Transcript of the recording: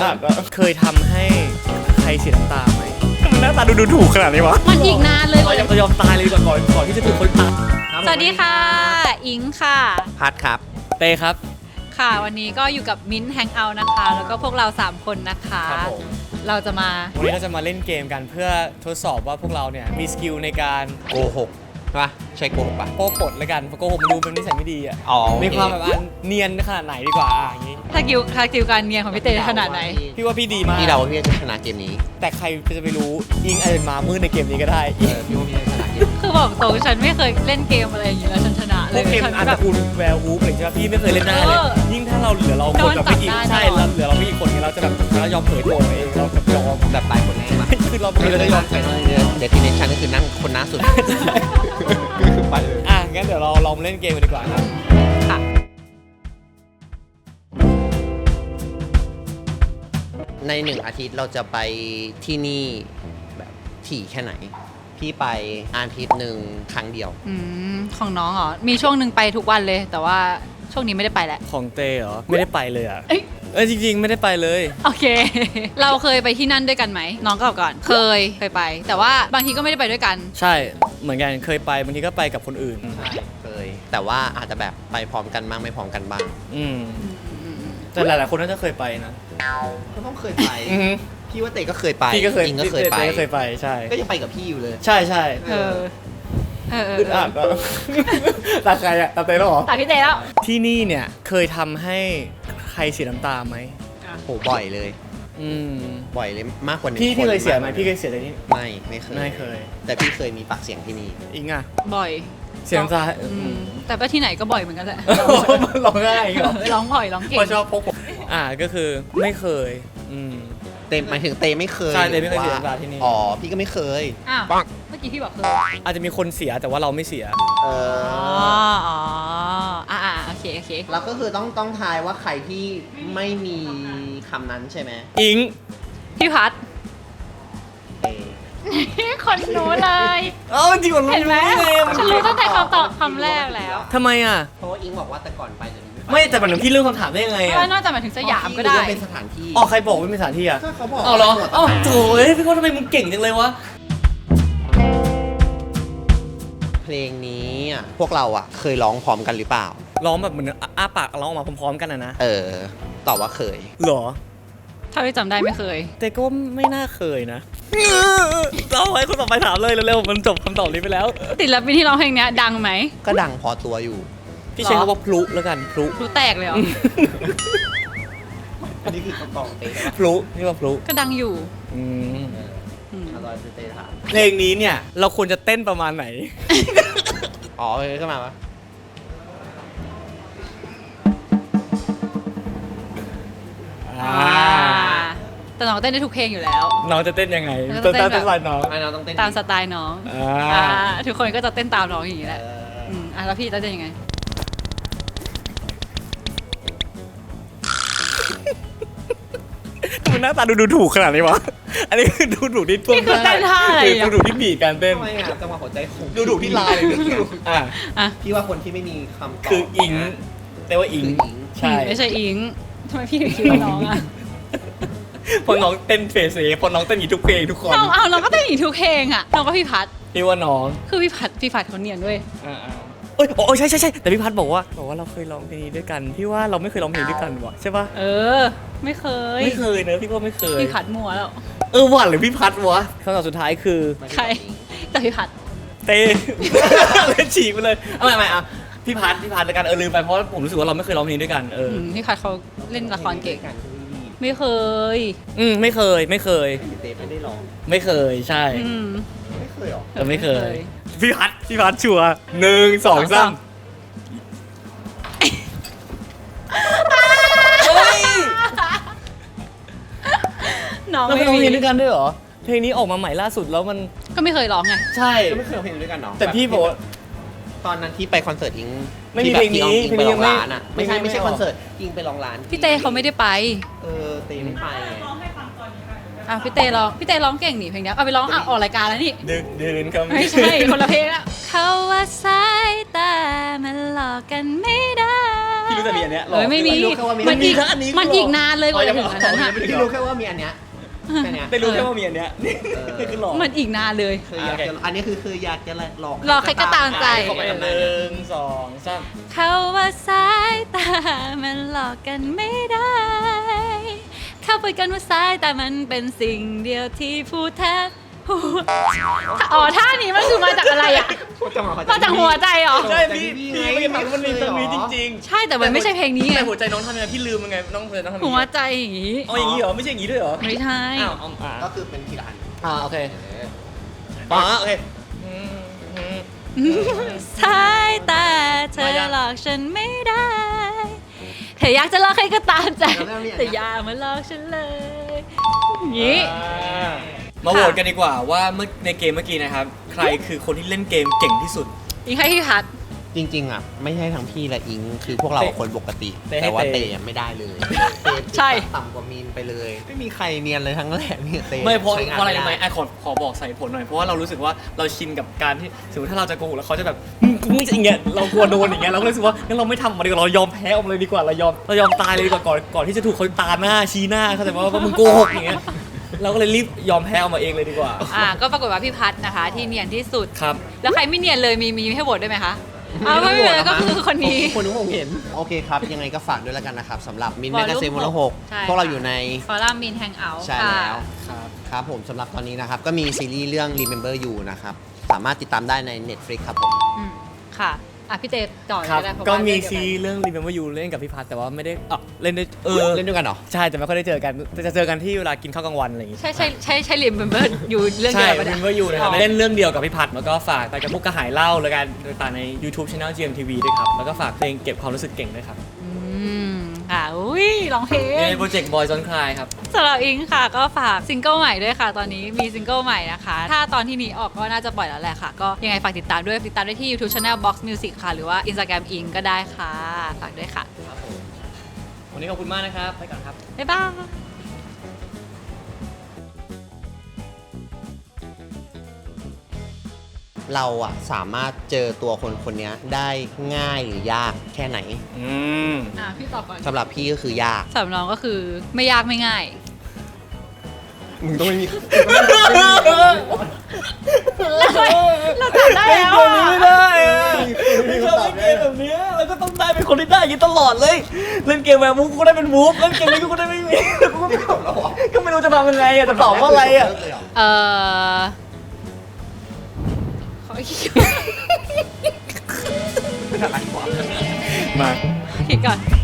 เคยทำให้ใครเสียน้ำตาไหมมันหน้าตาดูถูกขนาดนี้วะมันอีกนานเลยเรายอมตายเลยก่อนที่จะถูกคนตายสวัสดีค่ะอิงค่ะพัดครับเต้ครับค่ะวันนี้ก็อยู่กับมิ้นท์แฮงเอาท์นะคะแล้วก็พวกเรา3คนนะคะเราจะมาวันนี้เราจะมาเล่นเกมกันเพื่อทดสอบว่าพวกเราเนี่ยมีสกิลในการโกหกป่ะใช่โกหกป่ะโป๊ปดแล้วกันโกหกมันดูเป็นนิสัยไม่ดีอ่ะมีความแบบเนียนขนาดไหนดีกว่าอย่างนี้ถ้ากิวการเนียนของพี่เต้ขนาดไหนพี่ว่าพี่ดีมากพี่เราพี่จะชนะเกมนี้แต่ใครจะไปรู้อิงอาจจะมามืดในเกมนี้ก็ได้พี่ว่าพี่จะชนะเกมคือบอกตรงฉันไม่เคยเล่นเกมอะไรอย่างนี้แล้วฉันชนะเลยเกมอันดับคุณแวร์วูฟอะไรใช่ไหมพี่ไม่เคยเล่นได้เลยยิ่งถ้าเราเหลือเราคนแบบไม่กี่ใช่เราเหลือเราไม่กี่คนนี้เราจะแบบเรายอมเผยตัวเองเราแบบยอมแบบตายคนแรกมาคือเราไม่ได้ยอมเดสติเนชั่นก็คือนั่งคนหน้าสุดไปเลยงั้นเดี๋ยวเราลองเล่นเกมกันดีกว่าครับค่ะใน1 อาทิตย์เราจะไปที่นี่แบบถี่แค่ไหนพี่ไปอาทิตย์หนึ่งครั้งเดียวของน้องเหรอมีช่วงหนึ่งไปทุกวันเลยแต่ว่าช่วงนี้ไม่ได้ไปแล้วของเต้เหรอไม่ได้ไปเลยอ่ะจริงๆไม่ได้ไปเลยโอเคเราเคยไปที่นั่นด้วยกันไหมน้องก็ก่อนเคยไปแต่ว่าบางทีก็ไม่ได้ไปด้วยกันใช่เหมือนกันเคยไปบางทีก็ไปกับคนอื่นใช่เคยแต่ว่าอาจจะแบบไปพร้อมกันบ้างไม่พร้อมกันบ้างแต่หลายๆคนน่าจะเคยไปนะก็ต้องเคยไปพี่ว่าเต้ก็เคยไปพี่ก็เคยอิงก็เคยไปใช่ก็ยังไปกับพี่อยู่เลยใช่อึดอัดก็ตาใครอะตาเต้แล้วเหรอตาพี่เต้แล้วที่นี่เนี่ยเคยทำให้ใครเสียน้ำตาไหมโหบ่อยเลยบ่อยเลยมากกว่า1 คนพี่เคยเสียไหมพี่เคยเสียอะไรนี่ไม่เคยแต่พี่เคยมีปากเสียงที่นี่อิงอะบ่อยเสียน้ำตาแต่ก็ที่ไหนก็บ่อยเหมือนกันแหละร้องง่ายเหรอร้องบ่อยร้องเก่งชอบพกก็คือไม่เคยเต้หมายถึงเต้ไม่เคยใช่เต้ไม่เคยเสียน้ำตาที่นี่พี่ก็ไม่เคยปังเมื่อกี้พี่บอกเคยอาจจะมีคนเสียแต่ว่าเราไม่เสียโอเคแล้วก็คือต้องทายว่าใครที่ไม่มีคำนั้นใช่ไหมอิงพี่พัดคนรู้เลยจริงเหรอเห็นไหมฉันรู้ตั้งแต่คำแรกแล้วทำไมอ่ะเพราะว่าอิงบอกว่าแต่ก่อนไปไม่แต่มันพี่เรื่องคำถามได้ยังไงอ่ะนอกจากหมายถึงสยามก็ได้เป็นสถานที่ใครบอกว่าเป็นสถานที่อ่ะเขาบอกเหรอโถ่พี่เขาทำไมมึงเก่งจังเลยวะเพลงนี้พวกเราเคยร้องพร้อมกันหรือเปล่าร้องแบบเหมือนอ้าปากร้องออกมาพร้อมๆกันนะตอบว่าเคยเหรอถ้าไม่จำได้ไม่เคยแต่ก็ไม่น่าเคยนะเราให้คนต่อไปถามเลยเร็วๆมันจบคำตอบนี้ไปแล้วติดแล้วปีที่ร้องเพลงนี้ดังไหมก็ดังพอตัวอยู่พี่ใช้คำว่าพลุแล้วกันพลุแตกเลยเหรออันนี้คือคำตอบเต้พลุนี่ว่าพลุก็ดังอยู่เพลงนี้เนี่ยเราควรจะเต้นประมาณไหนขึ้นมาปะแต่น้องเต้นได้ทุกเพลงอยู่แล้วน้องจะเต้นยังไงตามสไตล์น้องต้องเต้นตามสไตล์น้องทุกคนก็จะเต้นตามน้องอย่างนี้แหละแล้วพี่จะยังไงมันหน้าตาดูถูกขนาดนี้วะอันนี้คือดูถูกที่ท่วงท่าอะไรดูถูกที่บีบการเต้นทำไมจังหวะหัวใจคงดูถูกที่ลายพี่ว่าคนที่ไม่มีคำตอบคืออิงแต่ว่าอิงใช่ไม่ใช่อิงทำไมพี่ถึงคิดว่าน้องพอน้องเต้นเฟสพอน้องเต้นอีกทุกเพลงทุกคนน้องก็เต้นอีกทุกเพลงน้องก็พี่พัดพี่ว่าน้องคือพี่พัดเขาเนียนด้วยใช่แต่พี่พัดบอกว่าเราเคยร้องเพลงนี้ด้วยกันพี่ว่าเราไม่เคยร้องเพลงด้วยกันวะใช่ป่ะไม่เคยเนอะพี่ก็ไม่เคยพี่พัดมัวแล้วหวานหรือพี่พัดวะคำตอบสุดท้ายคือใครแต่พี่พัดเต้เลยฉีกไปเลยไม่พี่พัดแล้วกันลืมไปเพราะผมรู้สึกว่าเราไม่เคยร้องเพลงด้วยกันพี่พัดเขาเล่นละครเก่งไม่เคยไม่เคยเต้ไม่ได้ร้องไม่เคยใช่ไม่เคยหรอไม่เคยพี่พัดชัวร์1 2 3 น้องเราเคยร้องเพลงด้วยกันด้วยเหรอเพลงนี้ออกมาใหม่ล่าสุดแล้วมันก็ไม่เคยร้องไงใช่ก็ไม่เคยร้องเพลงด้วยกันเนาะแต่พี่บอกตอนนั้นที่ไปคอนเสิร์ตอิงไม่มีเพลงนี้ไปร้องร้านไม่ใช่คอนเสิร์ตอิงไปร้องร้านพี่เต้เขาไม่ได้ไปเต้ไม่ไปพี่เต้ร้องเก่งนี่เพลงนี้เอาไปร้องออกรายการแล้วนี่เดินครับไม่ใช่คนละเพลงอะเขาว่าสายตามันหลอกกันไม่ได้พี่รู้แต่มีอันเนี้ยหรอเฮ้ยไม่มีรู้แค่ว่ามีมันอีกอันนี้มันอีกนานเลยกว่าจะถึงอันนั้นอะพี่รู้แค่ว่ามีอันเนี้ยแค่เนี้ยได้รู้แค่ว่ามีอันเนี้ยนี่คือหลอกมันอีกนานเลยคืออยากจะอันนี้คืออยากจะหลอกหลอกใครก็ตามใจเข้าไป1 2 3 เขาว่าสายตามันหลอกกันไม่ได้ เข้าไปกันว่าสายตามันเป็นสิ่งเดียวที่พูดแทบหัวอ๋อท่านี้มันคือมาจากอะไรอ่ะ มาจากหัวใจเหรอใช่พี่มันมีตรงนี้จริงๆใช่แต่มันไม่ใช่เพลงนี้ไงแต่หัวใจน้องทำยังไงพี่ลืมยังไงน้องหัวใจน้องทำยังหัวไงใจอย่างงี้เอาอย่างนี้เหรอไม่ใช่อย่างนี้ด้วยเหรอไม่ใช่อ้าวก็คือเป็นทีละอันโอเคโอเคสายตาเธอหลอกฉันไม่ได้เธออยากจะหลอกใครก็ตามใจ แต่อย่ามาหลอกฉันเลยอย่างงี้มาโหวตกันดีกว่าว่าเมื่อในเกมเมื่อกี้นะครับ ใครคือคนที่เล่นเกมเก่งที่สุดอีกให้พี่พัดจริงๆอ่ะไม่ใช่ทั้งพี่และอิงคือพวกเราคนปกติ แต่ว่าเตะไม่ได้เลยเตะใช่ต่ำกว่ามีนไปเลย ไม่มีใครเนียนเลยทั้งแรกเนี่ยเตะไม่เพราะใช้งนอะไรด้รู้ไหมไอ้ขอบอกใส่ผลหน่อยเพราะว่าเรารู้สึกว่าเราชินกับการที่สมมติถ้าเราจะโกหกแล้วเขาจะแบบมึงจะอย่างเงี้ยเรากลัวโดนอย่างเงี้ยเราก็เลยรู้สึกว่างั้นเราไม่ทำมันดีกว่าเรายอมแพ้ออกมาเลยดีกว่าเรายอมตายเลยดีกว่าก่อนที่จะถูกเขาตาหน้าชี้หน้าเขาใจว่ามึงโกหกอย่างเงี้ยเราก็เลยรีบยอมแพ้ออกมาเองเลยดีกว่าก็ปรากฏว่าพี่พัดนะคะ ที่เนียนที่สุดครับแล้วใครไม่เนียนเลยมีให้โหวตได้ไหมคะเอาไม่เป็นไรก็คือคนนี้คนที่ผมเห็นโอเคครับยังไงก็ฝากด้วยแล้วกันนะครับสำหรับมินวแมอลกลุ่มกาซีนวอลหก 6 ใช่พวกเราอยู่ในฟอรัมมินแฮงเอาท์ใช่ค่ะแล้วครับครับผมสำหรับตอนนี้นะครับก็มีซีรีส์เรื่อง Remember You นะครับสามารถติดตามได้ใน Netflix ครับผมค่ะพี่เต้ต่อครับก็ได้เพราะก็ว่ามีเรื่องซีเดียวเรื่อง Remember You เล่นกับพี่พัฒแต่ว่าไม่ได้เล่นได้เล่นด้วยกันเหรอใช่แต่ไม่ค่อยได้เจอกันจะเจอกันที่เวลากินข้าวกลางวันอะไรอย่างงี้ใช่ลิมเบอร์อยู่เรื่องใช่เดียวกัน Remember You นะครับเล่นเรื่องเดียวกับพี่พัฒแล้วก็ฝากไปกับพวกกระหายเหล้าแล้วกันต่างใน YouTube Channel GMTV ด้วยครับแล้วก็ฝากเพลงเก็บความรู้สึกเก่งด้วยครับค่ะอุ้ยร้องเพลงในโปรเจกต์ Boys Don't Cry ครับสำหรับอิงค่ะก็ฝากซิงเกิลใหม่ด้วยค่ะ ตอนนี้มีซิงเกิลใหม่นะคะ ถ้าตอนที่นี้ออกก็น่าจะปล่อยแล้วแหละค่ะ ก็ยังไงฝากติดตามด้วยติดตามได้ที่ YouTube Channel Box Music ค่ะ หรือว่า Instagram อิงก็ได้ค่ะ ฝากด้วยค่ะวันนี้ขอบคุณมากนะครับไปก่อนครับบ๊ายบายเราอะสามารถเจอตัวคนคนนี้ได้ง่ายหรือยากแค่ไหนพี่ตอบก่อนสำหรับพี่ก็คือยากสำหรับน้องก็คือไม่ยากไม่ง่ายมึงต้องไม่มีเราตอบได้แล้วไม่ได้ไม่ชอบเล่นเกมแบบนี้แล้วก็ต้องได้เป็นคนที่ได้อยินตลอดเลย เล่นเกมแบบมูฟก็ได้เป็นมูฟเล่นเกมนี้ก็ได้ไม่มีก็ไม่รู้จะทำยังไงอะจะตอบว่าอะไรอะขอคิดไม่ทันไรกว่ามาก่อน